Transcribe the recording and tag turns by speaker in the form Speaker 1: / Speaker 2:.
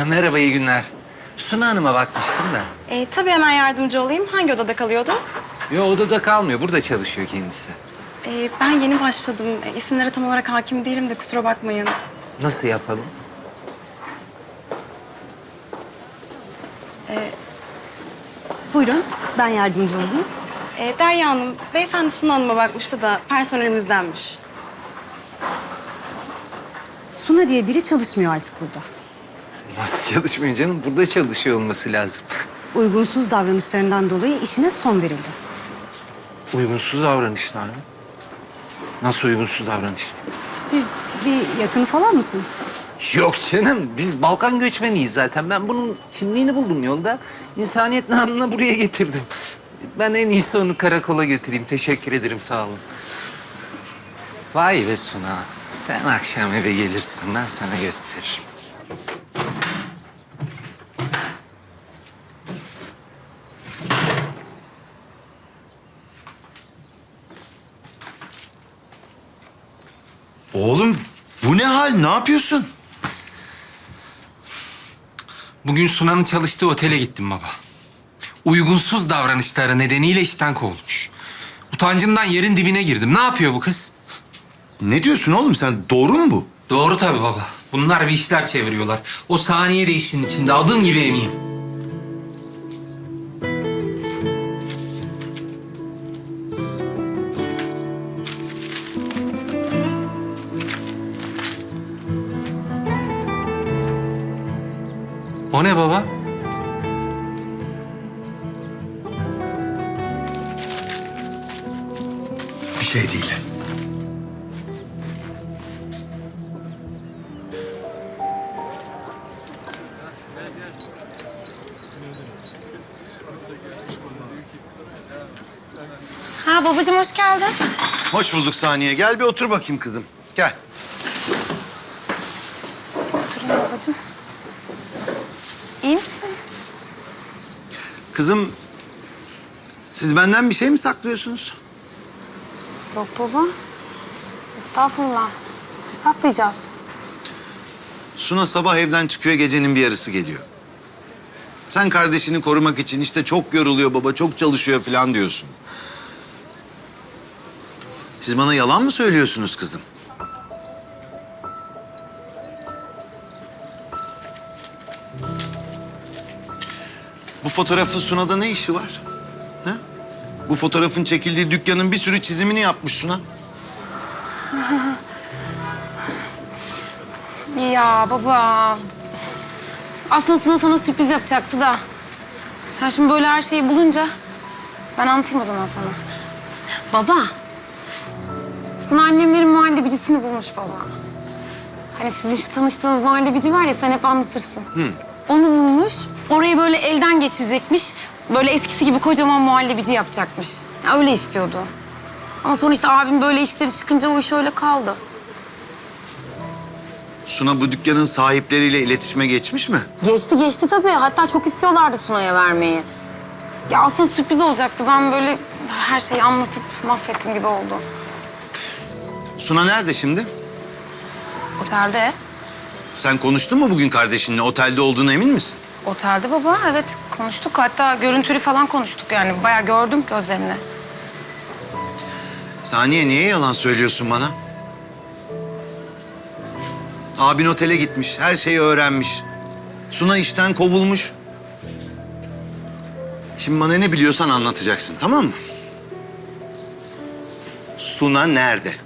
Speaker 1: Merhaba, iyi günler. Suna Hanım'a bakmıştım da.
Speaker 2: Tabii hemen yardımcı olayım. Hangi odada kalıyordu?
Speaker 1: Yo, odada kalmıyor, burada çalışıyor kendisi.
Speaker 2: Ben yeni başladım. İsimlere tam olarak hakim değilim de kusura bakmayın.
Speaker 1: Nasıl yapalım?
Speaker 3: Buyurun, ben yardımcı olayım.
Speaker 2: Derya Hanım, beyefendi Suna Hanım'a bakmıştı da personelimizdenmiş.
Speaker 3: Suna diye biri çalışmıyor artık burada.
Speaker 1: Nasıl çalışmıyor canım? Burada çalışıyor olması lazım.
Speaker 3: Uygunsuz davranışlarından dolayı işine son verildi.
Speaker 1: Uygunsuz davranışlar mı? Nasıl uygunsuz davranış?
Speaker 3: Siz bir yakını falan mısınız?
Speaker 1: Yok canım, biz Balkan göçmeniyiz zaten. Ben bunun kimliğini buldum yolda. İnsaniyet namına buraya getirdim. Ben en iyisi onu karakola götüreyim. Teşekkür ederim, sağ olun. Vay be Suna, sen akşam eve gelirsin, ben sana gösteririm.
Speaker 4: Oğlum bu ne hal? Ne yapıyorsun?
Speaker 1: Bugün Suna'nın çalıştığı otele gittim baba. Uygunsuz davranışları nedeniyle işten kovulmuş. Utancımdan yerin dibine girdim. Ne yapıyor bu kız?
Speaker 4: Ne diyorsun oğlum sen? Doğru mu bu?
Speaker 1: Doğru tabii baba. Bunlar bir işler çeviriyorlar. O saniye de işin içinde. Adım gibi eminim. O ne baba?
Speaker 4: Bir şey değil.
Speaker 5: Ha babacığım hoş geldin.
Speaker 4: Hoş bulduk Saniye. Gel bir otur bakayım kızım. Gel.
Speaker 5: Oturun babacığım. İyi misin?
Speaker 4: Kızım, siz benden bir şey mi saklıyorsunuz?
Speaker 5: Yok baba. Estağfurullah. Ne saklayacağız?
Speaker 4: Suna sabah evden çıkıyor, gecenin bir yarısı geliyor. Sen kardeşini korumak için işte çok yoruluyor baba, çok çalışıyor falan diyorsun. Siz bana yalan mı söylüyorsunuz kızım? Bu fotoğrafın Suna'da ne işi var? Ha? Bu fotoğrafın çekildiği dükkanın bir sürü çizimini yapmış Suna.
Speaker 5: Ya baba. Aslında Suna sana sürpriz yapacaktı da. Sen şimdi böyle her şeyi bulunca ben anlatayım o zaman sana. Baba. Suna annemlerin muhallebicisini bulmuş baba. Hani sizin şu tanıştığınız muhallebici var ya, sen hep anlatırsın. Onu bulmuş. Orayı böyle elden geçirecekmiş. Böyle eskisi gibi kocaman muhallebici yapacakmış. Ya öyle istiyordu. Ama sonra işte abim böyle işleri çıkınca o iş öyle kaldı.
Speaker 4: Suna bu dükkanın sahipleriyle iletişime geçmiş mi?
Speaker 5: Geçti tabii. Hatta çok istiyorlardı Suna'ya vermeyi. Ya aslında sürpriz olacaktı. Ben böyle her şeyi anlatıp mahvettim gibi oldu.
Speaker 4: Suna nerede şimdi?
Speaker 5: Otelde.
Speaker 4: Sen konuştun mu bugün kardeşinle? Otelde olduğuna emin misin?
Speaker 5: Otelde baba. Evet konuştuk. Hatta görüntülü falan konuştuk yani. Bayağı gördüm gözlerimle.
Speaker 4: Saniye, niye yalan söylüyorsun bana? Abin otele gitmiş, her şeyi öğrenmiş. Suna işten kovulmuş. Şimdi bana ne biliyorsan anlatacaksın, tamam mı? Suna nerede?